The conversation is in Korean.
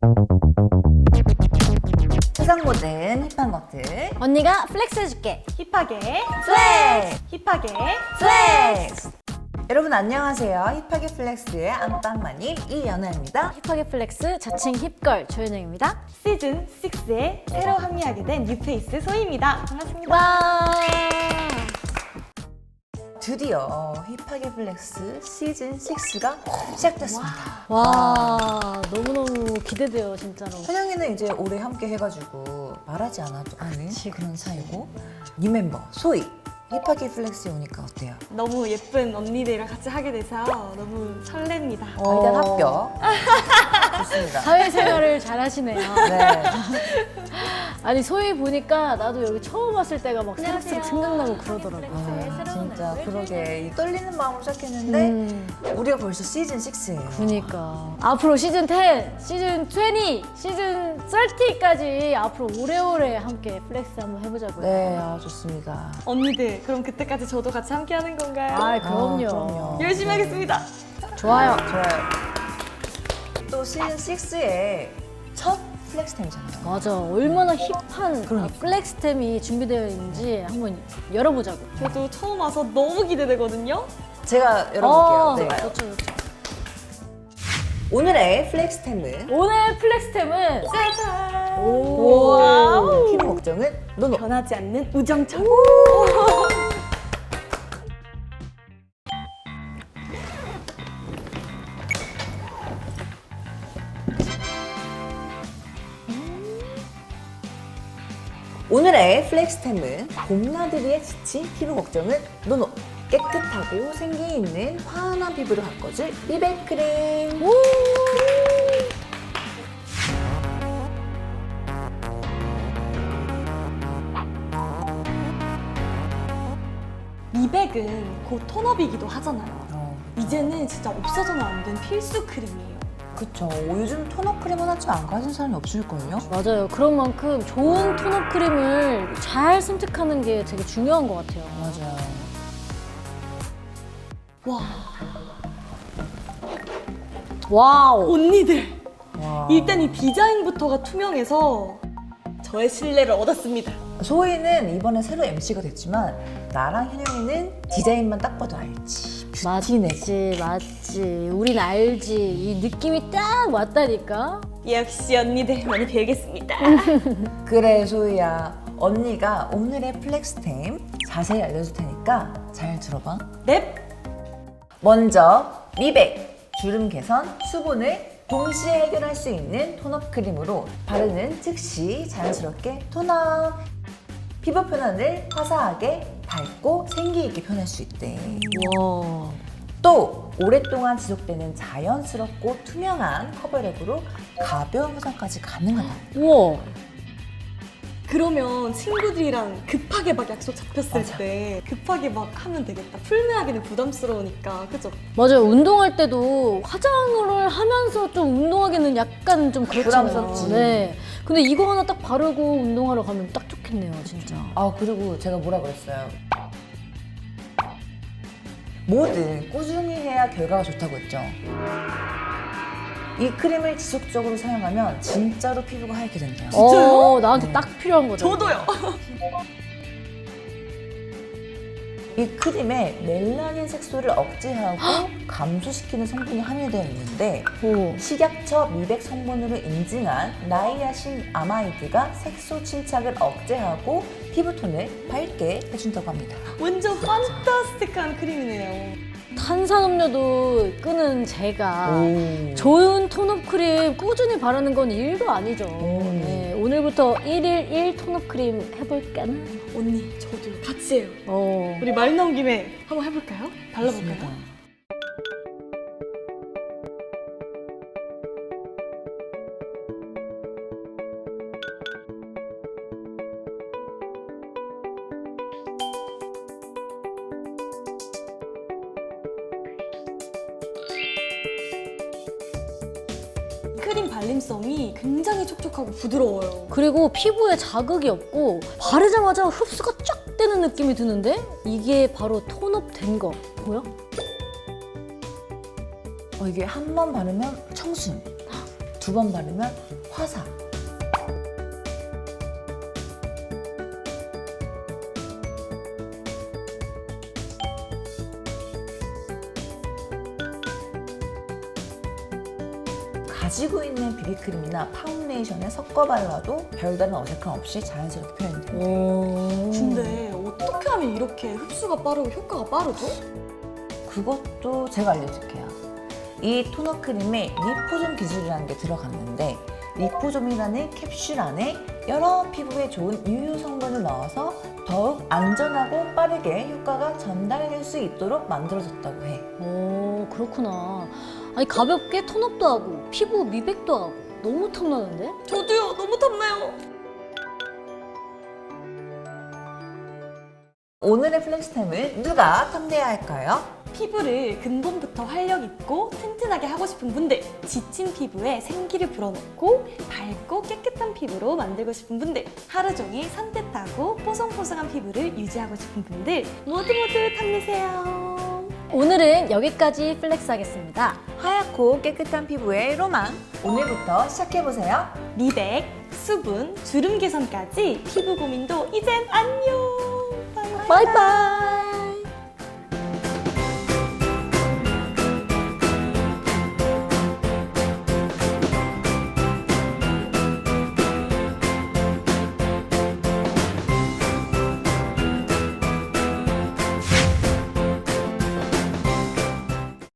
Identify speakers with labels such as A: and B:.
A: 세상 모든 힙한 것들
B: 언니가 플렉스 해줄게.
C: 힙하게
A: 플렉스!
C: 힙하게
A: 플렉스! 여러분 안녕하세요. 힙하게 플렉스의 안방마님 이연아입니다.
B: 힙하게 플렉스 자칭 힙걸 조현영입니다.
C: 시즌 6에 새로 합류하게 된 뉴페이스 소희입니다. 반갑습니다.
B: 와.
A: 드디어 힙하게 플렉스 시즌 6가 시작됐습니다.
B: 와, 너무너무 기대돼요, 진짜로.
A: 현영이는 이제 올해 함께 해가지고 말하지 않아도 아는 그런 사이고 이 멤버 소희 힙하게 플렉스에 오니까 어때요?
C: 너무 예쁜 언니들이랑 같이 하게 돼서 너무 설렙니다.
A: 일단 합격. 좋습니다.
B: 사회생활을 잘 하시네요.
A: 네.
B: 아니, 소희 보니까 나도 여기 처음 왔을 때가 막 새록새록 생각나고 그러더라고요.
A: 아, 진짜 그러게 이 떨리는 마음으로 시작했는데 우리가 벌써 시즌 6예요.
B: 그니까 앞으로 시즌 10, 시즌 20, 시즌 30까지 앞으로 오래오래 함께 플렉스 한번 해보자고요.
A: 네, 좋습니다.
C: 언니들 그럼 그때까지 저도 같이 함께 하는 건가요?
B: 아, 그럼요.
A: 그럼요.
C: 열심히 하겠습니다.
B: 좋아요.
A: 좋아요. 또 시즌 6의 첫 플렉스템이잖아요.
B: 맞아. 얼마나 힙한
A: 그러니까.
B: 플렉스템이 준비되어 있는지 한번 열어보자고.
C: 저도 처음 와서 너무 기대되거든요.
A: 제가 열어볼게요. 네.
B: 좋죠, 좋죠.
A: 오늘의 플렉스템은
B: 오늘 플렉스템은
C: 짜잔!
B: 오.
A: 피부 걱정은 노노.
C: 변하지 않는 우정처럼.
A: 오늘의 플렉스템은 봄나들이에 지친 피부 걱정은 노노. 깨끗하고 생기 있는 환한 피부를 바꿔줄 미백크림.
C: 미백은 곧 톤업이기도 하잖아요. 이제는 진짜 없어서는 안 된 필수 크림이에요.
A: 그쵸. 요즘 토너 크림 하나쯤 안 가진 사람이 없을걸요?
B: 맞아요. 그런 만큼 좋은 톤업 크림을 잘 선택하는 게 되게 중요한 것 같아요.
A: 맞아요.
C: 와,
B: 와우.
C: 언니들!
A: 와.
C: 일단 이 디자인부터가 투명해서 저의 신뢰를 얻었습니다.
A: 소희는 이번에 새로 MC가 됐지만 나랑 현영이는 디자인만 딱 봐도 알지. 뷰티네.
B: 맞지. 우린 알지. 이 느낌이 딱 왔다니까.
C: 역시 언니들 많이 배우겠습니다.
A: 그래 소희야. 언니가 오늘의 플렉스템 자세히 알려줄 테니까 잘 들어봐.
C: 넵!
A: 먼저 미백, 주름 개선, 수분을 동시에 해결할 수 있는 톤업 크림으로 바르는 즉시 자연스럽게 톤업. 피부 표현을 화사하게 밝고 생기 있게 표현할 수 있대.
B: 와.
A: 또 오랫동안 지속되는 자연스럽고 투명한 커버력으로 가벼운 화장까지 가능하다.
B: 우와.
C: 그러면 친구들이랑 급하게 막 약속 잡혔을
A: 맞아.
C: 때 급하게 막 하면 되겠다. 풀메하기는 부담스러우니까, 그죠?
B: 맞아요. 운동할 때도 화장을 하면서 좀 운동하기는 약간 좀 그렇잖아요.
A: 부담스럽지.
B: 네. 근데 이거 하나 딱 바르고 운동하러 가면 딱 좋겠네요, 진짜.
A: 그리고 제가 뭐라 그랬어요? 뭐든 꾸준히 해야 결과가 좋다고 했죠. 이 크림을 지속적으로 사용하면 진짜로 피부가 하얗게 된대요.
C: 진짜요?
B: 나한테
A: 네.
B: 딱 필요한 거죠.
C: 저도요.
A: 이 크림에 멜라닌 색소를 억제하고 감소시키는 성분이 함유되어 있는데
B: 오.
A: 식약처 미백 성분으로 인증한 나이아신 아마이드가 색소 침착을 억제하고 피부톤을 밝게 해준다고 합니다.
C: 완전 판타스틱한 크림이네요.
B: 탄산음료도 끄는 제가
A: 오.
B: 좋은 톤업 크림 꾸준히 바르는 건 일도 아니죠. 네, 오늘부터 1일 1 톤업 크림 해볼까나?
C: 언니, 저도요. 같이 해요.
B: 어.
C: 우리 말 나온 김에 한번 해볼까요? 발라볼까요?
A: 좋습니다.
C: 크림 발림성이 굉장히 촉촉하고 부드러워요.
B: 그리고 피부에 자극이 없고 바르자마자 흡수가 쫙 되는 느낌이 드는데 이게 바로 톤업 된 거 보여?
A: 이게 한 번 바르면 청순, 2번 바르면 화사. 가지고 있는 비비크림이나 파운데이션에 섞어 발라도 별다른 어색함 없이 자연스럽게 표현이 돼요.
C: 근데 어떻게 하면 이렇게 흡수가 빠르고 효과가 빠르죠?
A: 그것도 제가 알려줄게요. 이 토너 크림에 리포좀 기술이라는 게 들어갔는데 리포좀이라는 캡슐 안에 여러 피부에 좋은 유효 성분을 넣어서 더욱 안전하고 빠르게 효과가 전달될 수 있도록 만들어졌다고 해.
B: 오, 그렇구나. 아니, 가볍게 톤업도 하고, 피부 미백도 하고, 너무 탐나는데?
C: 저도요. 너무 탐나요.
A: 오늘의 플렉스템을 누가 탐내야 할까요?
C: 피부를 근본부터 활력 있고 튼튼하게 하고 싶은 분들, 지친 피부에 생기를 불어넣고 밝고 깨끗한 피부로 만들고 싶은 분들, 하루 종일 산뜻하고 뽀송뽀송한 피부를 유지하고 싶은 분들 모두 탐내세요.
B: 오늘은 여기까지 플렉스 하겠습니다.
A: 하얗고 깨끗한 피부의 로망. 오늘부터 시작해보세요.
C: 미백, 수분, 주름 개선까지 피부 고민도 이젠 안녕. 바이바이.
B: 바이바이!